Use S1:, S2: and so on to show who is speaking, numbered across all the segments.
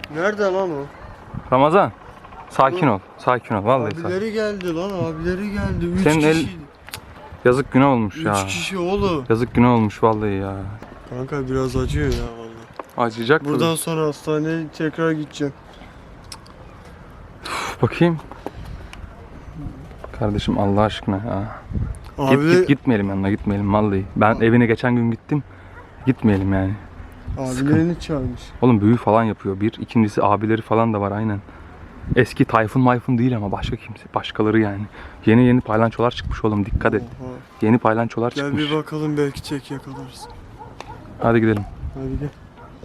S1: Nerede lan o?
S2: Ramazan. Sakin ol. Sakin ol. Vallahi sakin.
S1: Abileri geldi lan, abileri geldi. 3
S2: Senin el-
S1: kişi.
S2: Yazık günah olmuş ya.
S1: 3 kişi oğlum.
S2: Yazık günah olmuş vallahi ya.
S1: Kanka biraz acıyor ya vallahi.
S2: Acıyacak mı?
S1: Buradan sonra hastaneye tekrar gideceğim.
S2: Bakayım. Kardeşim Allah aşkına ya.
S1: Abi,
S2: Gitmeyelim yanına, gitmeyelim vallahi. Ben evine geçen gün gittim. Gitmeyelim yani.
S1: abilerini çağırmış.
S2: Oğlum büyü falan yapıyor bir. İkincisi abileri falan da var aynen. Eski Tayfun Mayfun değil ama başka kimse. Başkaları yani. Yeni paylançolar çıkmış oğlum, dikkat et.
S1: Oha.
S2: Yeni paylançolar
S1: Gel
S2: çıkmış.
S1: bir bakalım, belki tek yakalarız.
S2: Hadi gidelim.
S1: Hadi gel.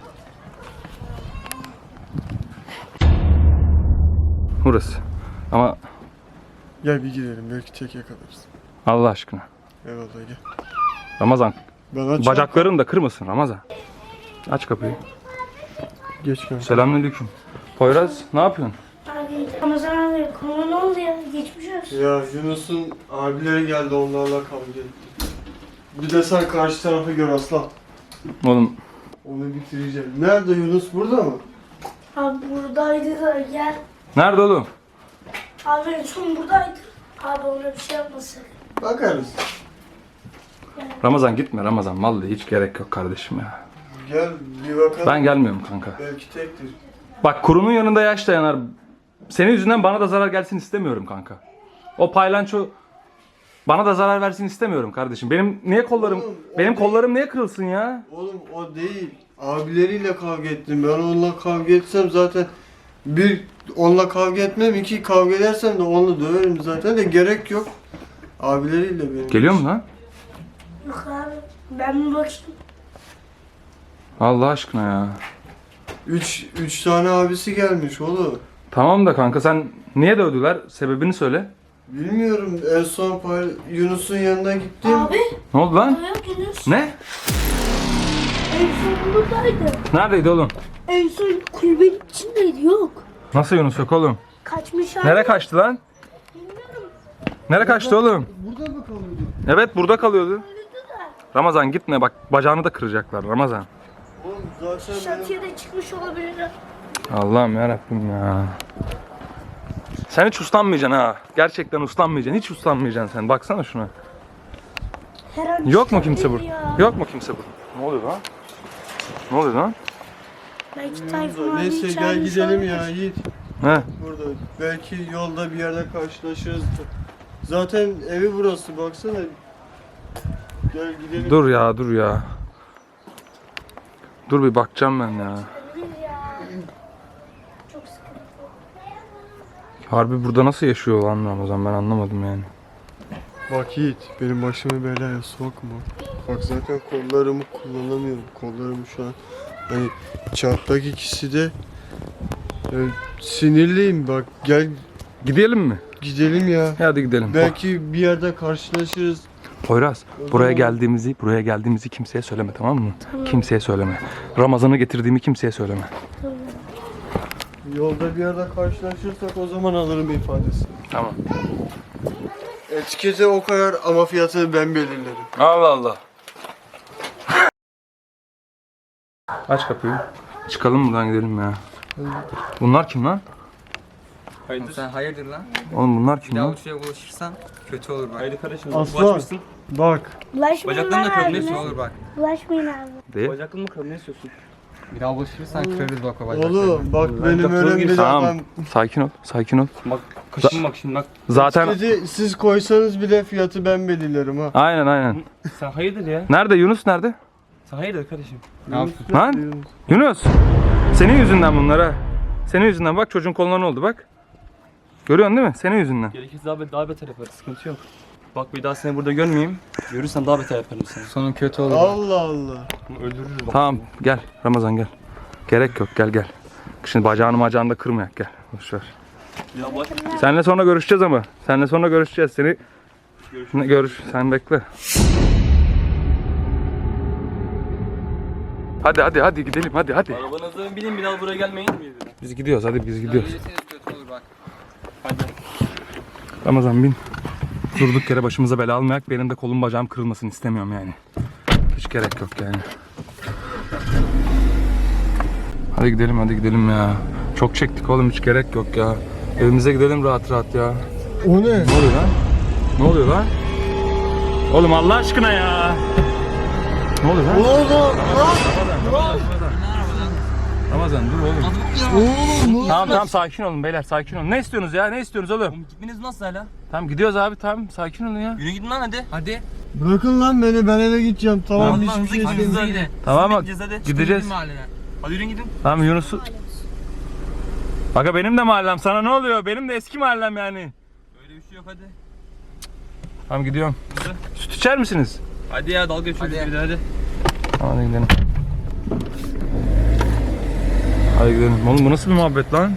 S2: Burası. Ama
S1: Gel bir gidelim, belki tek yakalarız.
S2: Allah aşkına.
S1: Eyvallah gel.
S2: Ramazan.
S1: Ben açayım.
S2: Bacaklarını da kırmasın Ramazan. Aç kapıyı.
S1: Geç kanka.
S2: Selamünaleyküm. Poyraz ne yapıyorsun?
S3: Abi Ramazan abi konu ne oldu ya? Geçmiş olsun.
S1: Ya Yunus'un abileri geldi, onlarla kavga etti. Bir de sen karşı tarafı gör aslan.
S2: Oğlum
S1: Onu bitireceğim. Nerede Yunus, burada mı?
S3: Abi buradaydı da gel.
S2: nerede oğlum?
S3: Abi en son buradaydı. Abi ona bir şey yapmasın.
S1: Bakarız.
S2: Ramazan gitme Ramazan. Vallahi hiç gerek yok kardeşim ya.
S1: Gel bir bakalım.
S2: Ben gelmiyorum kanka.
S1: Belki tektir.
S2: Bak kurunun yanında yaş dayanar. Senin yüzünden bana da zarar gelsin istemiyorum kanka. O paylanço bana da zarar versin istemiyorum kardeşim. Benim kollarım niye kırılsın ya?
S1: Oğlum o değil. Abileriyle kavga ettim. Ben onunla kavga etsem zaten bir onunla kavga etmem, iki kavga edersem de onu döverim zaten de gerek yok. Abileriyle benim.
S2: Geliyor mu lan?
S3: Yok abi ben bir bakayım.
S2: Allah aşkına ya.
S1: Üç tane abisi gelmiş oğlum.
S2: Tamam da kanka sen niye dövdüler? Sebebini söyle.
S1: Bilmiyorum, en son Yunus'un yanına gittim.
S3: Abi
S2: Ne oldu lan?
S3: yok Yunus.
S2: Ne?
S3: En son buradaydı.
S2: Neredeydi oğlum?
S3: En son kulübenin içindeydi yok.
S2: Nasıl Yunus yok oğlum?
S3: Kaçmış abi.
S2: Nereye kaçtı lan?
S3: Bilmiyorum.
S2: Nereye kaçtı oğlum?
S1: Burada mı kalıyordu?
S2: Evet burada kalıyordu. Ramazan gitme bak, bacağını da kıracaklar Ramazan.
S1: Oğlum zaten benim...
S3: Şantiye de çıkmış olabilir.
S2: Allah'ım yarabbim ya. Sen hiç uslanmayacaksın ha. Gerçekten uslanmayacaksın. Hiç uslanmayacaksın sen. Baksana şuna.
S3: Her an
S2: Yok mu kimse
S3: çıkabilir
S2: burada?
S3: ya.
S2: Yok mu kimse burada? Ne oluyor lan? Ne oluyor lan?
S3: Belki Tayfun abi
S1: Neyse gel
S3: çağırmış
S1: gidelim
S3: olabilir.
S1: ya Yiğit.
S2: He.
S1: Burada. Belki yolda bir yerde karşılaşırız. Zaten evi burası, baksana. Gel gidelim.
S2: Dur ya, dur ya. Dur bir bakacağım ben ya.
S3: Olabilir ya. Çok sıkıntı.
S2: Harbi burada nasıl yaşıyor lan Ramazan, ben anlamadım yani.
S1: Bak Yiğit, benim başımı belaya sokma. Bak zaten kollarımı kullanamıyorum. Kollarımı şu an hani çarptak ikisi de sinirliyim. Bak gel
S2: Gidelim mi?
S1: gidelim ya.
S2: Hadi gidelim.
S1: Belki bir yerde karşılaşırız.
S2: Poyraz,
S1: O
S2: buraya
S1: zaman-
S2: geldiğimizi kimseye söyleme, tamam mı? Kimseye söyleme. Ramazan'ı getirdiğimi kimseye söyleme.
S1: Yolda bir yerde karşılaşırsak o zaman alırım ifadesi.
S2: Tamam.
S1: Etikete o kadar ama fiyatını ben belirlerim.
S2: Allah Allah. Aç kapıyı. Çıkalım buradan, gidelim ya. Bunlar kim lan?
S4: Oğlum sen hayırdır lan?
S2: Oğlum bunlar
S4: Bir
S2: kim
S4: daha
S2: lan?
S4: uçuya bulaşırsan kötü olur bak.
S5: Haydi kardeşim.
S1: Aslan
S5: Bulaşmışsın.
S1: bak.
S3: Bulaşmayın
S4: Bacaklarını da
S3: lan
S4: kırabilir,
S3: abime.
S4: kötü olur bak.
S3: Bulaşmayın abi.
S2: Değil.
S5: Bacaklı mı kırım, ne istiyorsun?
S4: Bir daha bulaşırsan kırarız bak o bacaklarını.
S1: Oğlum bak benim
S5: kapıya
S1: öyle bir
S5: gireyim.
S2: Tamam.
S1: adam.
S2: Sakin ol. Sakin ol.
S5: Bak kaşın bak şimdi bak.
S2: Zaten
S1: Etiketi siz koysanız bile fiyatı ben belirlerim ha.
S2: aynen.
S5: Sen hayırdır ya?
S2: Nerede Yunus, nerede?
S5: Sen hayırdır kardeşim?
S4: Ne yaptın?
S2: Lan Yunus. Senin yüzünden bunlar ha. Senin yüzünden bak, çocuğun koluna ne oldu bak. Görüyorsun değil mi? Senin yüzünden.
S5: Gerekirse daha beter yaparız. Sıkıntı yok. Bak bir daha seni burada görmeyeyim. Görürsen daha beter yaparım seni.
S4: Sonun kötü olur. bak.
S1: Allah Allah.
S5: Öldürürüz bak.
S2: Tamam gel Ramazan gel. Gerek yok, gel. Şimdi bacağını da kırmayak, gel. Boş ver.
S5: Ya bak.
S2: Seninle sonra görüşeceğiz ama. Seninle sonra görüşeceğiz. Seni sen bekle. Hadi gidelim hadi.
S5: Arabanıza binin, bir daha buraya gelmeyin.
S2: Biz gidiyoruz, hadi biz gidiyoruz.
S4: Gelirseniz kötü olur bak.
S5: Hadi.
S2: Ramazan bin. Durduk yere başımıza bela almayak. Benim de kolum bacağım kırılmasını istemiyorum yani. Hiç gerek yok yani. Hadi gidelim ya. Çok çektik oğlum, hiç gerek yok ya. Evimize gidelim rahat rahat ya.
S1: O ne?
S2: Ne oluyor lan? Ne oluyor lan? Oğlum Allah aşkına ya. Ne oluyor lan?
S1: Ne oldu?
S2: Ramazan dur oğlum.
S1: Oğlum
S2: Tamam sakin olun beyler, sakin olun. Ne istiyorsunuz ya? Ne istiyorsunuz oğlum?
S5: Oğlum gitmeniz nasıl hala?
S2: Tamam gidiyoruz abi, tamam sakin olun ya.
S5: Yürü gidin lan hadi.
S4: Hadi.
S1: bırakın lan beni, ben eve gideceğim. Tamam,
S5: Hadi lan,
S1: hiçbir
S5: hızlı
S1: şey
S5: gidin, hızlı
S1: istemiyorum.
S5: gidin.
S2: Tamam
S5: Siz
S2: bak,
S5: bekleyeceğiz hadi.
S2: gideceğiz.
S5: Çıkın mahalleden. Hadi yürüyün gidin.
S2: Tamam Yunus'u... Aga benim de mahallem, sana ne oluyor? Benim de eski mahallem yani.
S5: Öyle bir şey yok hadi.
S2: Tamam gidiyorum.
S5: Hızlı.
S2: Süt içer misiniz?
S5: Hadi ya dalga geçiyoruz
S4: Hadi.
S5: bir de hadi.
S2: Hadi gidelim. Hadi gidelim. Oğlum bu nasıl bir muhabbet lan?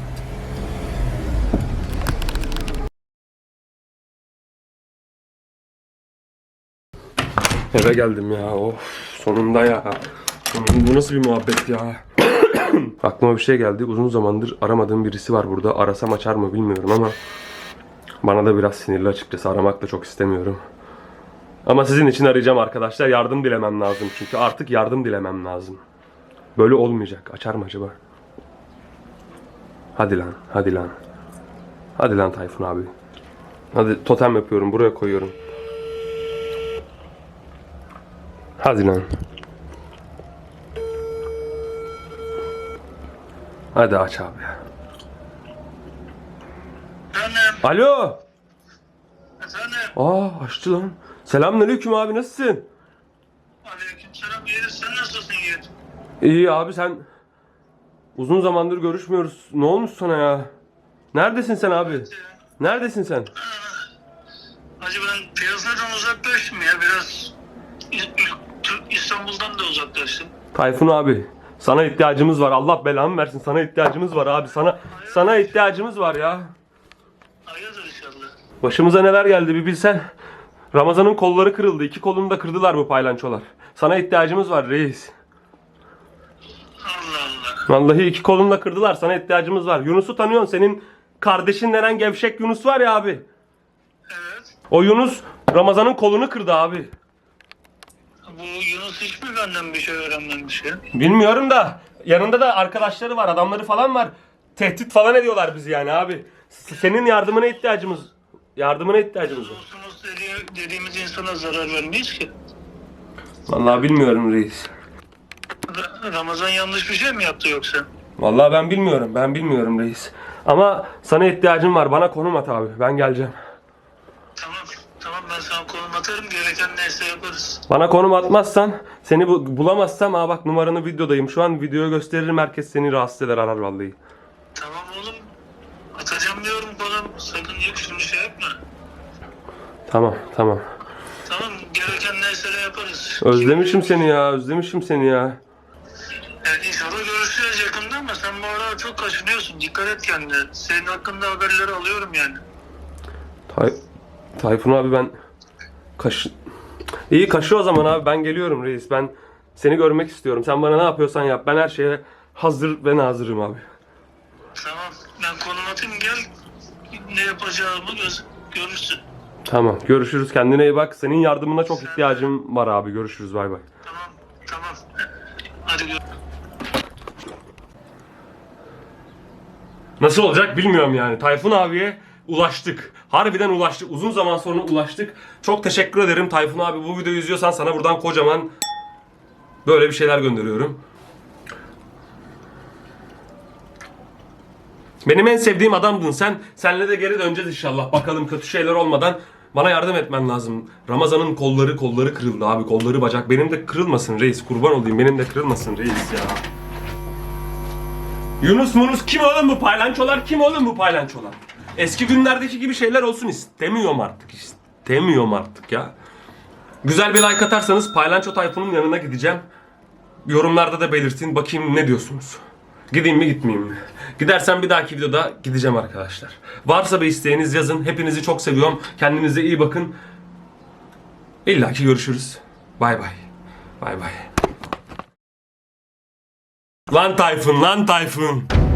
S2: Eve geldim ya. Of sonunda ya. Bu nasıl bir muhabbet ya? Aklıma bir şey geldi. Uzun zamandır aramadığım birisi var burada. Arasam açar mı bilmiyorum ama bana da biraz sinirli açıkçası. Aramak da çok istemiyorum. Ama sizin için arayacağım arkadaşlar. Yardım dilemem lazım. Çünkü artık yardım dilemem lazım. Böyle olmayacak. Açar mı acaba? Hadi lan. Hadi lan. Hadi lan Tayfun abi. Hadi totem yapıyorum. Buraya koyuyorum. Hadi lan. Hadi aç abi ya.
S6: Efendim,
S2: Alo.
S6: efendim.
S2: Aa açtı lan. Selamünaleyküm abi, nasılsın?
S6: Aleykümselam Yiğit, sen nasılsın Yiğit?
S2: İyi abi, sen uzun zamandır görüşmüyoruz. Ne olmuş sana ya? Neredesin sen abi? Neredesin sen?
S6: Hacı ben piyasadan uzaklaştım ya biraz. İstanbul'dan da uzaklaştım.
S2: Tayfun abi, sana ihtiyacımız var. Allah belamı versin. Sana ihtiyacımız var abi. Sana ihtiyacımız var ya.
S6: Hayırdır inşallah.
S2: Başımıza neler geldi bir bilsen. Ramazan'ın kolları kırıldı. 2 kolunu da kırdılar bu paylançolar. Sana ihtiyacımız var reis.
S6: Allah Allah.
S2: Vallahi 2 kolunu da kırdılar. Sana ihtiyacımız var. Yunus'u tanıyorsun. Senin kardeşin denen gevşek Yunus var ya abi.
S6: Evet.
S2: O Yunus Ramazan'ın kolunu kırdı abi.
S6: Bu Yunus hiç mi benden bir şey öğrenmemiş ya?
S2: Bilmiyorum da yanında da arkadaşları var, adamları falan var. Tehdit falan ediyorlar bizi yani abi. Senin yardımına ihtiyacımız var.
S6: Dostumuz dediğimiz insana zarar vermeyiz ki.
S2: Vallahi bilmiyorum reis.
S6: Ramazan yanlış bir şey mi yaptı yoksa?
S2: Vallahi ben bilmiyorum reis. Ama sana ihtiyacım var. Bana konum at abi. Ben geleceğim.
S6: Tamam ben sana konum atarım, gereken neyse yaparız.
S2: Bana konum atmazsan, seni bulamazsam, bak numaranı videodayım. Şu an videoyu gösteririm, herkes seni rahatsız eder, arar vallahi.
S6: Tamam oğlum. Atacağım diyorum konum. Sakın yok şunu şey yapma.
S2: Tamam.
S6: Tamam, gereken neyse de yaparız.
S2: Özlemişim seni ya.
S6: Yani inşallah görüşeceğiz yakında ama sen bu aralar çok kaşınıyorsun. Dikkat et kendine. Senin hakkında haberleri alıyorum yani.
S2: Tayfun abi ben İyi kaşı o zaman abi, ben geliyorum reis. Ben seni görmek istiyorum. Sen bana ne yapıyorsan yap. Ben her şeye hazır ve nazırım abi.
S6: Tamam, ben konum atayım, gel. Ne yapacağımı görürsün.
S2: Tamam, görüşürüz. Kendine iyi bak. Senin yardımına çok ihtiyacım var abi. Görüşürüz. Bay bay.
S6: Tamam. Hadi gör.
S2: Nasıl olacak bilmiyorum yani. Tayfun abiye ulaştık. Harbiden ulaştık. Uzun zaman sonra ulaştık. Çok teşekkür ederim Tayfun abi. Bu videoyu izliyorsan sana buradan kocaman böyle bir şeyler gönderiyorum. Benim en sevdiğim adamdın sen. Senle de geri döneceğiz inşallah. Bakalım kötü şeyler olmadan bana yardım etmen lazım. Ramazan'ın kolları kırıldı abi. Kolları bacak. Benim de kırılmasın reis. Kurban olayım. Benim de kırılmasın reis ya. Yunus kim oğlum bu paylançolar? Kim oğlum bu paylançolar? Eski günlerdeki gibi şeyler olsun istemiyorum artık ya. Güzel bir like atarsanız Paylanço Tayfun'un yanına gideceğim. Yorumlarda da belirtin, bakayım ne diyorsunuz. Gideyim mi gitmeyeyim mi? Gidersem bir dahaki videoda gideceğim arkadaşlar. Varsa bir isteğiniz yazın. Hepinizi çok seviyorum. Kendinize iyi bakın. İlla ki görüşürüz. Bay bay. Lan Tayfun.